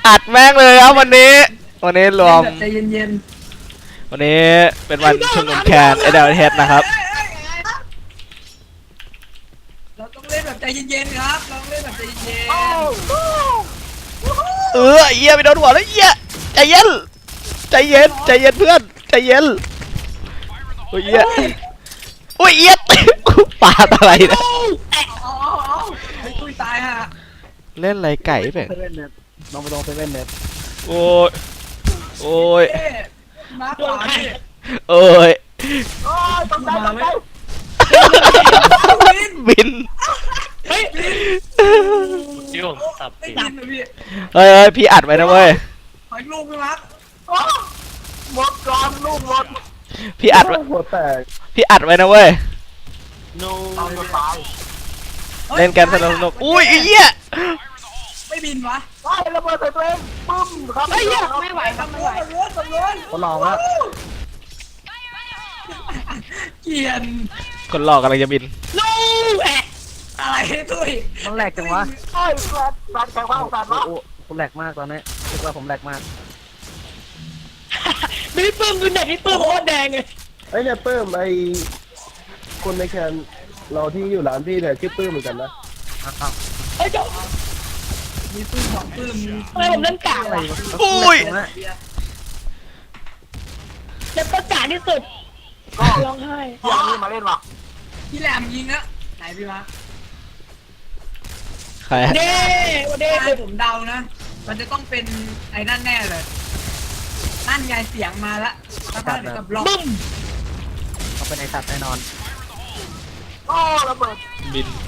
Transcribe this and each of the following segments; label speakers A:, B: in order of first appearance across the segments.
A: อัดแม่งเลยครับวันนี้รวม
B: ใจเย็น
A: วันนี้เป็นวันชุมนุมแคนAWHนะครับ
B: เราต้องเล่นแบบใจเย็นๆครับเราต้องเล่นแบบใจเย็น
A: เอี้ยไปโดนหัวแล้วเอี้ยใจเย็นเพื่อนใจเย็นโอ้ยเอี้ยโอ้ยเอี้ยปาดอะไรนะ
B: เอาไอ้ตุ้ยตายฮะ
A: เล่นไรไก่ไป
C: ลองไปลองเซเว่นเน็ต
A: โอ้ย
B: มาขวาดิ
A: โอ้ย
C: ต้องได้
A: บิน
B: เฮ้ย
D: โยงสับ
B: ไม่
D: ปี
B: บินนะพี่
A: เฮ้ยพี่อัดไว้นะเว้ย
B: ขออีกลูกนึงครับ
C: หมดก่อนลูกหมด
A: พี่อัดไว้
C: หัวแตก
A: พี่อัดไว้นะเว้ย
D: โน
C: ตาย
A: เล่นกันสนุกอุ้ยเอี้ย
B: ไม่บินวะ
C: ตายระเบิดใส่ตัวเองปึ้มครับ
B: ไม่ไหวครับไม่ไหวตำรวจ
C: เขาลองแล้ว
B: เกียน
A: คนหลอกกำลังจะบิน
B: ลูแอะอะไรตุ้ย
C: มันแหลกจังวะใช่แหลกว่าของการวะโอ้ผมแหลกมากตอนนี้คิดว่าผมแหลกมาก
E: ไม่ปื้มดูเน็ตนี่ปื้มโคตรแดงเลย
F: ไอ้เนี่ยปื้มไอ้คนในแคนเราที่อยู่ร้านพี่เนี่ยชื่อปื้มเหมือนกันนะ
E: เฮ้ยเจ้า
B: มีปื้มสองปื้ม
E: ทำไมผมเล่นกาก
C: อะไร
E: วะ
C: วะ
A: อุ้ย
E: เล่นประกาศที่สุดร้องไห้
C: อย่างนี้มาเล่นวะ
B: พี่แหลมยิงอะไหนพี่มา
A: ใคร
E: เด้วันเด้
B: ให้ผมเดานะ มันจะต้องเป็นไอ้นั่นแน่เลยนั่นไงเสียงมาละสักพักเดี๋ยวกับบล็อก
E: บึ้ม
C: เขาเป็นไอสัตว์แน่นอนโอ้ระเบิด
A: บิน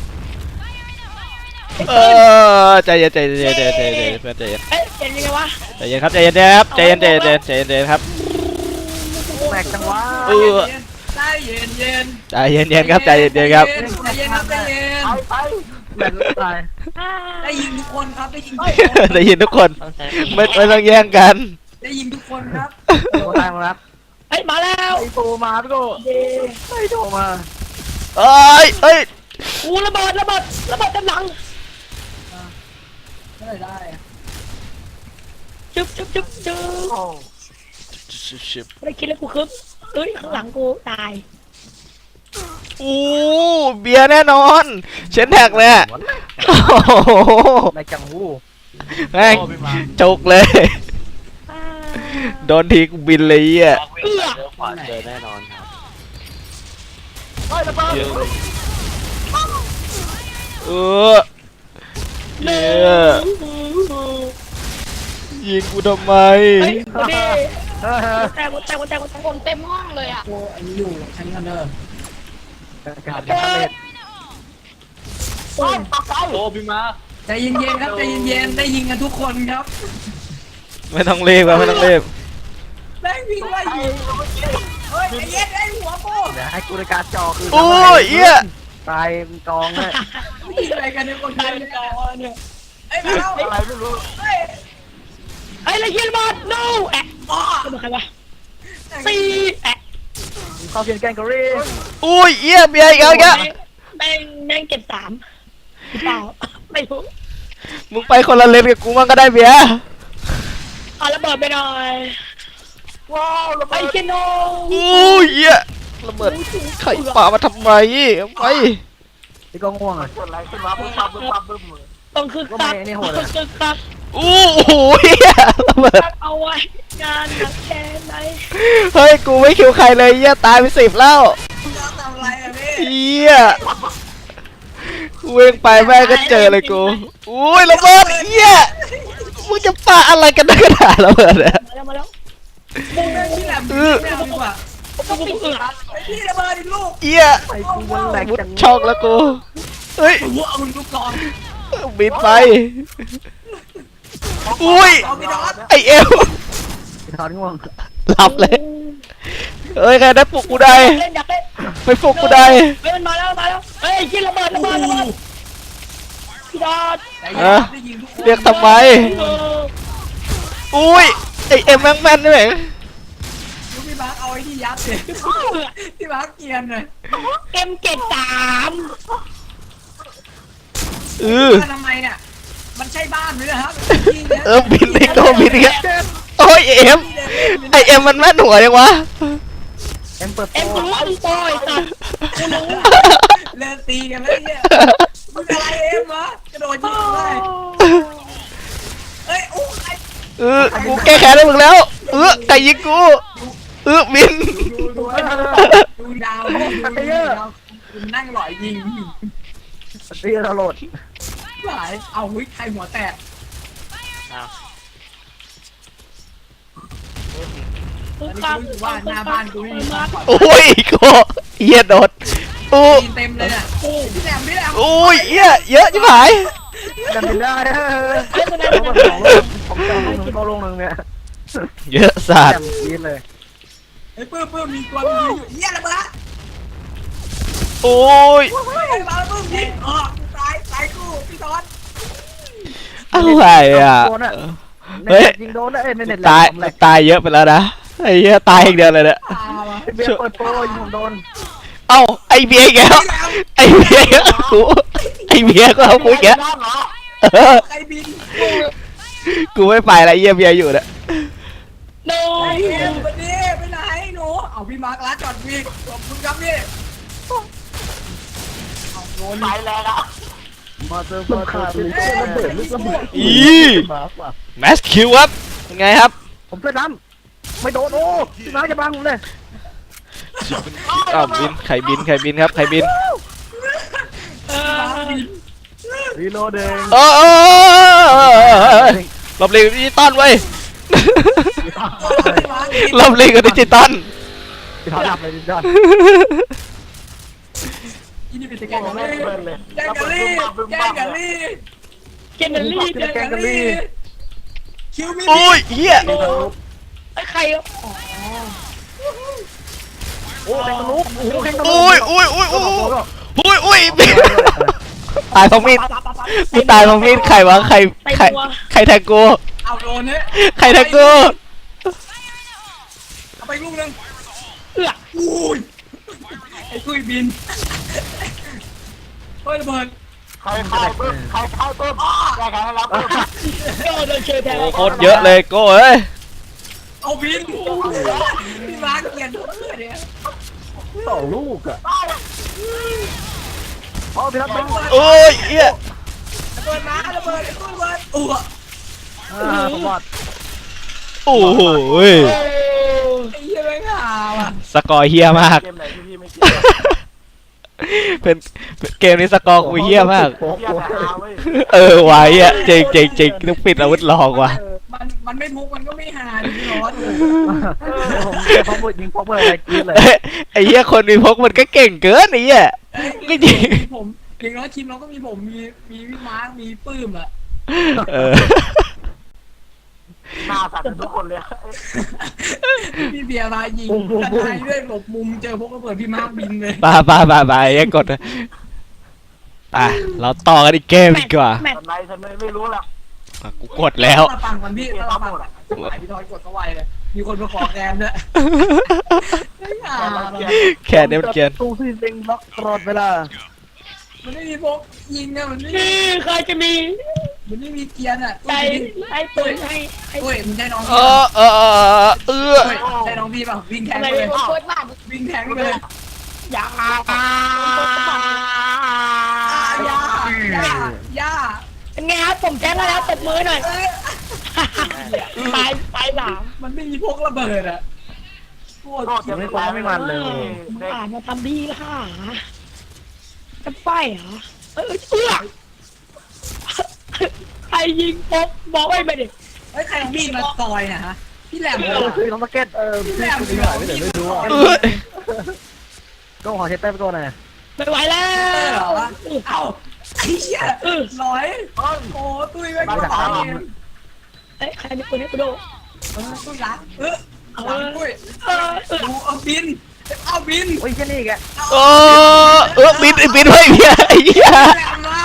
A: ใจเย็นเพื่อนใจเย็น
E: เอ้ยเห็นยังไงวะ
A: ใจเย็นครับใจเย็นครับใจเย็นครับ
C: แหลกจังวะ
B: ใจเย็นเย็น
A: ใจเย็นครับใจเย็นครับ
B: ใจเย็นครับใจเย็น
C: ไปแหลกตาย
B: ได้ยิงทุกคนครับได้ยิงทุกคน
A: ได้ยินทุกคน
D: ต้องใช้
A: ไม่ต้องแย่งกัน
B: ได้ยิงทุกคนครับ
C: โตตายมาแล้ว
E: เฮ้ยมาแล้ว
C: ไอโตมาพี่โก้ไอโตมา
A: เอ้ย
E: อู้ระเบิดเต็มหลัง
B: ได้
E: จึ๊บ
C: โอ้
E: ไม่ได้คิดเลยกูคึบเฮ้ยข้างหลังกูตาย
A: อู้เบียร์แน่นอนเชนแท็กเลยโอ้โห
C: ในจังหู
A: แม่งจุกเลยโดนทีกูบินเลยอ่ะ
D: เลี้ยวขวาเจอแน่นอนครับ
C: เฮ้ยระเบิด
A: เนี่ยยิงกูทำไม
E: เฮ้ยวันเด้
C: เฮ้ย
E: แตกคนเต็มห้องเลยอ่ะ
B: โอ้อันนี้อยู่ชั้นกันเด้อ
C: การเล่น
D: โอ้พี่มา
B: ใจเย็นๆครับใจเย็นๆได้ยิงกันทุกคนครับ
A: ไม่ต้องรีบไม่ต้องรีบ
B: แม่งวิ่งไล่ยิงเฮ้ยใจเย็นไอ้หัวโป้
C: เดี๋ยวให้กูในการจอคือ
A: โอ้ยเอี้ย
C: ตายเป็นกองเลย
B: ยิงอะไรกันเนี่ยคน
E: ตา
B: เดี
E: ย
B: ยว
E: เป็น
B: เนี่ย
E: กอเนี่ย
B: ไอ้มาแล้ว
C: อะไรไม่รู้
B: เฮ้ย
E: ไอ้ระเบิดบอล no แอะอ๋อใครวะตีแอะ
C: เข้าเพียนแกงกอรี่
A: อุ้ยเอี้ยเบียร์อีกแล้วแก
E: แม่งเก็บ3หรือเปล่าไม่รู้
A: มึงไปคนละเลนกับกูมั่งก็ได้เบียร์
E: เอาระเบิดไปหน่อย
C: ว้าวระ
E: ไอ้
C: เบิด
E: เชโน
A: อุ้ยเอี้ยระเบิดไข่ป่ามาทำไมไป
C: นี่ก็ง่วงอ่ะเกิดอะไรขึ้นวะบึ้มบึ้ม
E: ต้องคึกคักต้องคึกคัก
A: อู้หูเอี้ยระเบิด
E: เอาไว้งานหนักแค่ไหน
A: เฮ้ยกูไม่คิวใครเลยเอี้ยตายไป10แล้ว
B: จะทำอะไรอะพี่
A: เอี้ยกูเองไปแม่งก็เจอเลยกูอุ้ยระเบิดเอี้ยมึงจะปาอะไรกันนักหนาระเบิดเนี่ย
E: มาแล้ว
B: พี่แหลมยิงแมวดีกว่า
E: ต้องปิดเอือ
B: ไอ้พี่ระเบิดอีกลูก
A: เอี้ย
C: ไอ้กูมันแหลก
A: มุด
C: จัง
A: ช่องแล้วกูเฮ้ย
B: หัวเอาลูกกอง
A: บินไปอุ้ย
B: เอาพี่ดอส
A: ไอเอว
C: ทอนง่วง
A: หลับเลยเอ้ยใครได้ปลุกกูได้
E: เล่นอยากเล่น
A: ไปปลุกกูได้
E: เฮ้ยมันมาแล้วเฮ้ยกินระเบิดพี่ดอด
B: ใจเย็นครับได้ยิงทุกคน
A: เรียกทำไมอุ้ยไอเอ็มแม่งแม่นนี่แม่ง
B: ลูกพี่มาร์คเอาไอ้ที่ยัดเลยพี่มาร์คเกียนเลย
E: เอ็มเจ็ด3
A: เออ
B: ทำไมเนี่ยมันใช่บ้านไหมนะครับ
A: บินไอ้โก้บินอีกแล้วโอ้ยเอ็มไอเอ็มมันแม่นหัวยังวะ
C: เอ็มเปิดโป
E: เอ็มกูรู้มึงโปรไอ้สัตว์กูรู้
B: เลิกตีกันแล้วเนี่ยมึงอะไรเอ็มวะกระโดดยิงเลยเอ้ยโอ้ใคร
A: กูแก้แค้นให้มึงแล้วไก่ยิงกูบิน
B: ดูดาวคุณนั่งหล่อยยิง
C: ตีเราโหลด
B: หลายเอาหุ้ยใครหัวแตก
E: มึง
B: อันนี้
E: ฟัง
B: กูว่าหน้าบ้านกูไม่มีบ้าน
A: โอ้ยกูเหี้ยโดดอู้
B: เต็มเลยอ่ะพี่แหลมพี่แหลม
A: โอ้ยเหี้ยเยอะจิ๋วหาย
C: ดันไปได้ผมจะเอาลงหนึ่งเนี่ย
A: เยอะสัต
C: แจ่
A: ว์
C: มยินเลย
B: ไอ้ปื้มมีตัวอยู่เหี้ยระเบิด
A: โอ้ย
B: ไอ้บ้าปื้มยิงตายกูพี่ตอน
A: อะไรอ่ะ
C: เฮ้ยยิงโดนนะเอ้ยไม่เน็ต
A: ตายเยอะไปแล้วนะไอ้เหี้ยตายอีกเดียวเลยเนี่ย
B: ตาวะ
C: เบียร์เปิดโปรยิงผมโดน
A: เอ้าไอเบียร์อีกแล้วไอเบียร์กูไอเบียร์ก็เอากูอีกแล้ว
B: ใครบิน
A: กูไม่ไปละเหี้ยเบียร์อยู่เนี่ย
E: โน
B: ไอ้เอ็มวันนี้ไปไหนหนูเอาพี่มาร์คร้านจอดวิ่งขอบคุณครับพี่เอาโดนไปแล้วอ่ะ
C: มาเจอ
F: มันขาดเลยระเบิดลูกระเบิด มาว่ะ
A: แมสคิวครับยังไงครับ
C: ผมเสื้อดำไม่โดนโอ้พี่น้าจะบังผมเลย
A: อ้าวบินใครบินครับใครบิน
C: รีโหลดเอง
A: หลบหลีกดิจิตอลไว้ยหลบหลีกกับดิจิตอล
C: พี่ท้าดับเลยดิจ้า
B: อีนี่เป็นแกงกะลี่แกงกะลี่แกงกะลี่
E: เกนเนอรี่
B: แกงกะลี่คิวมี
A: โอ้ยเหี้ย
E: ไอ้ใคร
C: โอ้แข่งตะลุกโอ้แข่งตะลุก
A: โอ้ยตายเพราะมีดกูตายเพราะมีดใครวะใครแทงกู
B: เอาโดนเนี่ย
A: ใครแทงกู
B: เอาไปลูกนึงอุ้ยไอ้กุ้ยบินเฮ้ยระเบิด
C: ใครเข้าเพิ่มใครเข้าเพิ่มได้การรับ
E: โดนโดนเชยแทง
A: โอ้โคตรเยอะเลยโก้เอ้ย
B: เอาบินพี่มาร์คเกียนทุกเมื่อเนี่ย
F: 2 ลูกอ่ะ
C: โอ้พี่ทัศน์เป็น
A: โอ้ยเหี้ย
B: ระเบิดมาระเบิดไอ้กุ้ยระเบิดอ้ว
C: สมบัติ
A: โอ้โห
B: ไอ้เหี้ยไม่ข่าวอ่ะ
A: สกอร์เฮี้ยมาก
C: เกมไหนที่พี่ไม่เกี่ยว
A: เป็นเกมนี้สกอร์กูเฮี้ยมาก
F: โอ้โห
A: ไว้อะเจ๋งต้องปิดอาวุธลองว่ะ
B: มันไม่มุกมันก็ไม่หาดิพี่ร้อน
C: ผมพอพูดยิงพอเปิดอะไรกินเลย
A: ไอ้เหี้ยคนมีพกมันก็เก่งเกินไอ้เหี้ยก็จริง
B: ผมอย่างน้อยทีมเราก็มีผมมีพี่มาร์คมีปื้มอ่ะ
C: หน้าสั่นทุกคนเลย
B: พี่เบียร์มายิงทนายด้วยหลบมุมเจอพวกระเบิดพี่มาร์คบินเลย
A: บาไอ้กดเราต่อกันอีกเกมดีกว่า
E: แมต
C: ทำไมฉันไม่รู้หรอก
A: กูกดแล้ว
B: มาฟังกันพี่เราฟังอ่ะพี่ทอยกดเข้าไวเลยมีคนมาขอแกมด้วย
A: แค่นี้มันเกียน
C: ตู้ที่เซ็งล็อกตลอดเวลา
B: มันไม่มีพกยิงอ่ะมันไม่
E: นี่ใครจะมี
B: มีเกียร์อ่ะ
E: ใจให้ปืนให้
B: โอ้ยมึงใช่น้อง
A: เอ
B: พี่
A: อ
B: ใช่น้องพี่ป่ะวิ่งแทง
E: อะไร
B: เลย
E: เปิดบ้าน
B: วิ่งแทงเลย
E: อย่า
B: ย่า
E: เป็นไงครับผมแจ้งแล้วตบมือหน่อยตายสาม
B: มันไม่มีพกระเบิดอ่ะโคตร
C: ยังไม่ฟ้องไม่มันเลย
E: มึงอ่านมาทำดีแล้วค่ะจะไปเหรอใครยิงป๊กบอกไว้ไม่ดิ
B: เฮ้ยใครมีดมาซอยนะฮะพี่แหลม
C: คือน้องสเก็ต
B: พี่แหลม
F: ไม่หายไปไหนไม่รู้อ่ะ
C: ก็ขอเช็ดเต้ไปก่อนหน่อย
E: ไม่ไหวแล้
B: เหร
E: ว
B: อเอ้าไอ้เหี้ยร้อยโอ้ตุ้ยไม่ก็ตายเอง
E: เอ้ยใครมีปืนให้กูดู
B: ตุ้ยรักหลังตุ้ยดูเอาบิน
C: โอ้ยแค่นี้แก
A: บินไว้เหี้ยไอ้เหี้ย
B: แหลมมา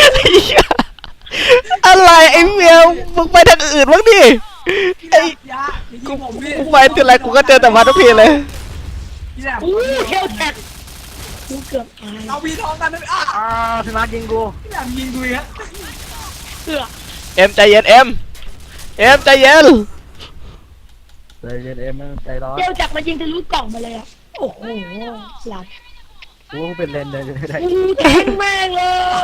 A: อะไรไอ้เมียมึงไปทางอื่นบ้างดิไอ้
B: ยายิงผมพี่
A: กูไปทีไรกูก็เจอแต่มาทุกทีเลย
B: พี่แหลม
E: อู้เฮลแท็กกูเกือบตาย
B: เอาพี่ท้องกันเลยอ่ะ
C: พี่มาร์ยิงกู
B: พี่แหลมยิงดูอ่ะ
E: เอื้อ
A: เอ็มใจเย็นเอ็มใจเย็น
C: ใจเย็นเอ็มใจร้อน
E: เดี๋ยวจักมายิงทะลุกล่องมาเลยอ่ะโอ้โหหลับ
C: กูเป็นเลนเลยได้
E: แทงแม่งเลย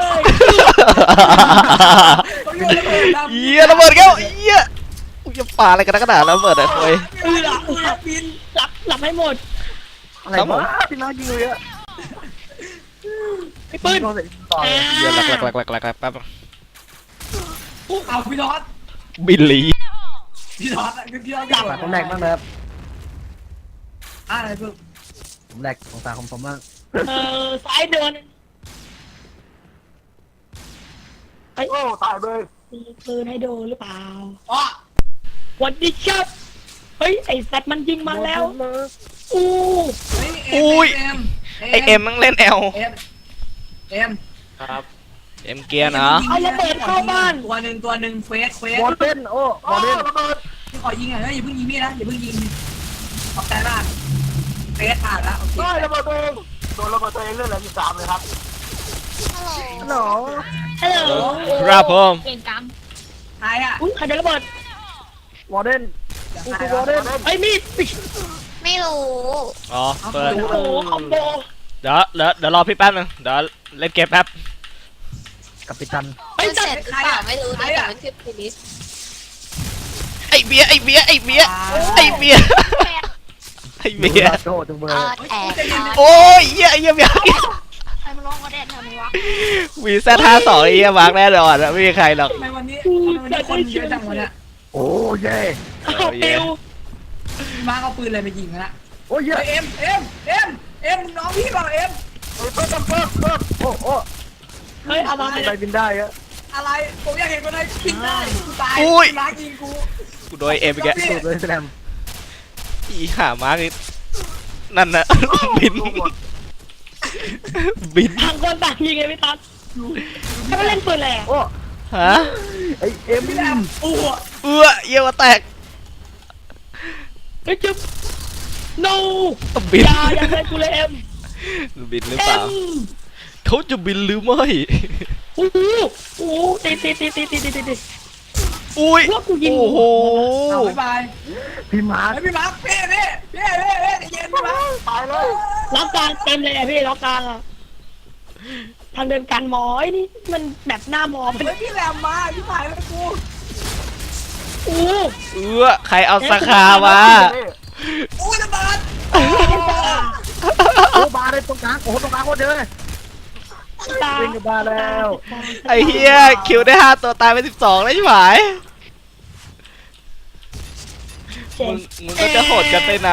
B: เขาโยนระเบิดดำ
A: เหี้ยระเบิดแก้วเหี้ยกูจะปาอะไรกันนักหนาระเบิดอะคุย
E: เอื้อ
B: บิน
E: หลับให้หมด
C: อะไรวะพี่น้องยิงเลยอะ
E: ไอ้ปืน
C: โดนเสร็จต่อ
A: เหี้ยหลักแป๊บ
B: เอาพี่น็อต
A: บิลลี่
B: พี่น็อตอะคือพี่น็อต
C: ฝากผมแหลกบ้างนะครับ
B: อะไรเพิ่ม
C: ผมแหลกของตาของผมบ้าง
E: ซ้ายเดิน
F: โอ้ตายเลย
E: มีปืนให้โดนหรือเปล่า
B: อ๋อ
E: วันดีครับเฮ้ยไอ้สัตว์มันยิงมาแล้วอู้
B: เฮ้ย
A: อุ้ยไอเอ็มมันเล่นแอล
B: เอ็ม
D: ครับ
A: เอ็มเกียร์นะ
E: เอาระเบิดเข้าบ้าน
B: ตัวหนึ่งเฟส
C: วอลเล่นโอ้วอลเล่น
B: พี่ขอยิงหน่อยนะอย่าเพิ่งยิงพี่นะอย่าเพิ่งยิงขอบใจมากเฟสผ่านแล้วโอเค
F: ได้ระเบิดตัวเองโดนระเบิดตัวเองเรื่องอะไรที่3เลยครับ
C: ฮัลโหล
E: ฮัลโหล
A: ครับผม
E: เก่งกรรม
B: ใครอ่ะ
E: อุ้ยใครโดนระเบิด
C: วอลเล่นกูคือวอลเล่น
E: ไอ้ยมีด
G: ไม่รู้
A: อ๋อเปิด
E: โอ้โหคอมโบ
A: เดี๋ยวรอพี่แป๊บนึงเดี๋ยวเล่นเกมแป๊บ
C: กัปตัน
E: ไอ้ย
G: เส
E: จั
G: ร็
E: ด
G: จหรือเปล่าไม่รู้นะแต่มันคือพินิส
A: ไอเบียร์
C: โดดจังเบอร์
G: แอบ
A: โอ้ยเหี้ยเบียร์
G: ใครมาลงก็ได้ทำไมวะ
A: วีซ่า52ไอ้เหี้ยมาร์กแน่นอนไม่มีใครหรอก
B: ทำไมวันนี้คนเยอะจังวะเนี่ย
C: โอ้เย่
E: เอาปิว
B: มาเอาปืนอะไรมายิงกันละ
C: โอ้เย่
B: เอ็มน้องพี่เปล่าเอ็ม
C: โอ้โอ้
E: เฮ้ยเอามา
C: ไปบินได้อะ
B: อะไรผมอยากเห็นคนไหนบินได้กูตายล้างยิงกู
A: กูโดนเอ็มอีกแก
C: สุดเลยแสดง
A: อีห่ามาร์กนั่นน่ะบิน
E: ต่างคนต่างยิงไงพี่ตั๊ดให้มันเล่นปืนแหละ
C: โอ้
A: ฮะ
C: ไอเอ็ม
B: พี่แอมอู้
A: เยี่ยวแตก
E: เฮ้ยจุ๊บ no
A: บิน
E: อย่าเล่นกูเลยเอ็ม
A: บินหรือเปล่าเขาจะบินหรือไม่
E: โอ้โหโอ้โหตี
A: อุ้ย
E: พวกกูยิง
A: โอ้โห
B: เอาบ๊ายบาย
C: พี่มาร์ค
B: พี่มาร์คเพ่เย็นพี่มาร์ค
F: ตายเลย
E: ล็อกกลางเต็มเลยอะพี่ล็อกกลางอะทางเดินการหมอไอ้นี่มันแบบหน้าหมอมัน
B: เฮ้ยพี่แรมมาพี่ถ่ายแล้วกู
E: โอ้
A: ใครเอาสาขามา
B: อู้ระเบิด
C: โอ้บาร์เลยตรงกลางโอ้ตรงกลางโคตรเยอะเลย
E: ตา
C: วิ่งกับบาร์แล้ว
A: ไอ้เฮียคิวได้5ตัวตายไป12แล้วใช่ไหม
E: เจ๋ง
A: มึงก็จะโหดกันไปไหน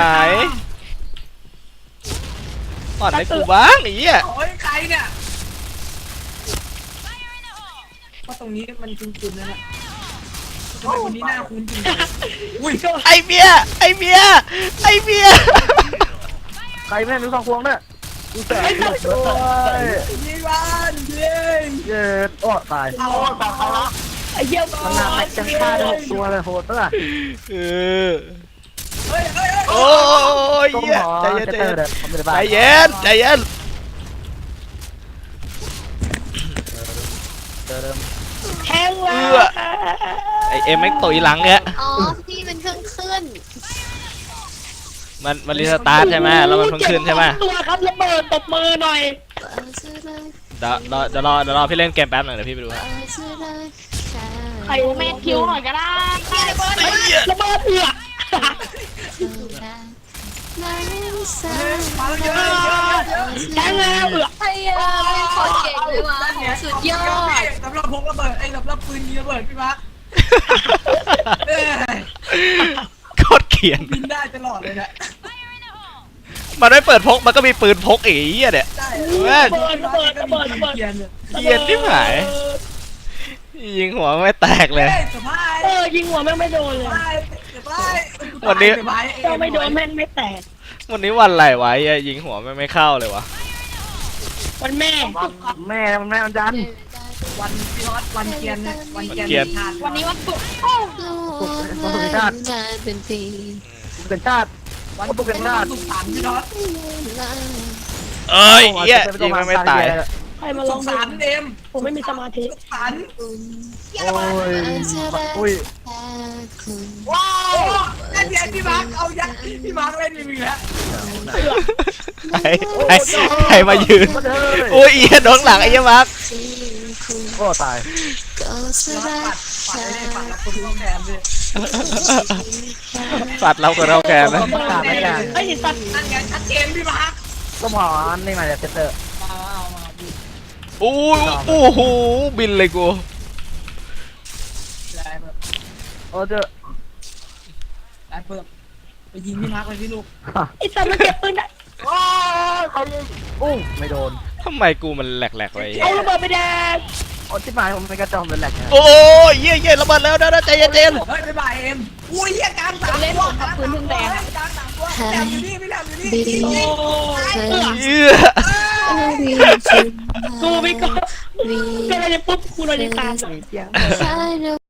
A: อ่อนให้กูบ้างไอ้เหี้ย
B: โอ้ยใครเนี่ยว่าตรงนี้มันคุ้นๆนะเนี่ยทำไมคนนี้หน้าคุ้นจริงอุ้ย
A: ไอ้เบียร์
C: ใครแม่มี2 พวงเนี่ยดูแต่หมดเลย
B: ยิงมันยิง
C: เย็ดโอ้ตาย
B: เอาต่อไปละ
E: ไอ้เยี่ยม
C: มันน่าแม็กจังฆ่าได้6 ตัวเลยโหดปะล่ะ
A: เออ
B: เฮ้ย
A: โอ้ย
C: ต้อง
A: เหี้ย
C: หอ
A: ใจเย็น
C: เจเตอร์เด็ดผมไม่ได้บ้า
A: ใจเย็น
E: แทงแล้ว
A: ไอเอ็มแม่งตุยหลังเนี่ย
G: อ๋อพี่เป็นเครื่องขึ้น
A: มันรีสตาร์ทใช่ไหมแล้วมันเพิ่งขึ้นใช่ไหม
E: ตัวครับระเบิดตบมือหน่อย
A: เดี๋ยวรอพี่เล่นเกมแป๊บหนึ่งเดี๋ยวพี่ไปดูฮะ
E: ใครเมทคิวหน่อยก็ได้ระเบิดเอือก
B: มาเยอะ
E: แทงแล้วเอือก
G: ไอ้ไม่คนเก่งเลยวะสุดยอด
B: สำหรับพกระเบิดสำหรับปืนยิงระเบิดพี่มาร์ค
A: โคตรเขียน
B: บินได้ตลอดเลยนะ
A: มันไม่เปิดพกมันก็มีปืนพกอีกไอ้เหี้ยเนี่ย
B: ได้
E: ระเบิด
A: เขียนที่หายยิงหัวไม่แตกเลย
B: สบาย
E: ยิงหัวแม่งไม่โดนเลย
B: สบาย
E: ก็ไม่โดนแม่งไม่แตก
A: วันนี้วันอะไรวะยิงหัวไม่เข้าเลยวะ
E: วันแม่
C: แม่มันดัน
B: วันพี่น็อตวันเกียนวันเกียนทาน
E: วันนี้วันศุกร์
G: เป็นปี
C: เป็นชาติ
B: วันศุกร์ถามพี่น็อต
A: เอ้ยเหี้ยยิงไม่ตาย
E: ใครมา
B: ส
E: ลอง
B: ง
E: ดู
B: สารเอ็ม
E: ผมไม่มีสมาธิ
B: สงสาร
C: โอ้ยอุ้ย
B: ว้าวนั่นไงพี่มาร์คเอายัดพี่มาร์คเล่นอีกแล้ว
A: ใครมายืนโอ้ยเอียโดนหลังไอ้เหี้ยมาร์ค
C: โอ้ตาย
B: ปัดเลยปัดแล้วคนต้องแทนด้วย
A: ปัดเรากับเราแกไหม
C: ประกาศรายการ
E: ไอ้ยสัตว์
B: นั่นไงชัดเจนพี่มาร์ค
C: ก็หมอนี่มาจากเซนเตอร์
B: มาพี่
A: โอ้ยโอ้โหบินเลยกู
B: ได้เพิ่ม
C: โอ้เจ้า
B: ได้เพิ่มไปยิงพี่มาร์คเลยพี่ลูก
E: ไอ้สัตว์มันเก็บปืนได้
C: โอ้ยใครยิงอู้ไม่โดน
A: ทำไมกูมันแหลกๆไว้
E: เอาระเบิดไปแดง
C: โอ้ที่หมายผมเป็นกระจอมเป็นแหลกนะ
A: โอ้ยเยี่ยระเบิดแล้วนะใจเย็น
B: เฮ้ยบ๊ายบายเอ็มอุ้ยกลางสามตัวกลางสามตัวกลางสามตัวแหลมอยู่นี่พี่แหลมอยู่นี่ยิง
E: โอ้
A: ๆเอื้อ
E: กูไม่ก็ก็เลยปุ๊บกูเลยตาม
C: เสียง
G: I know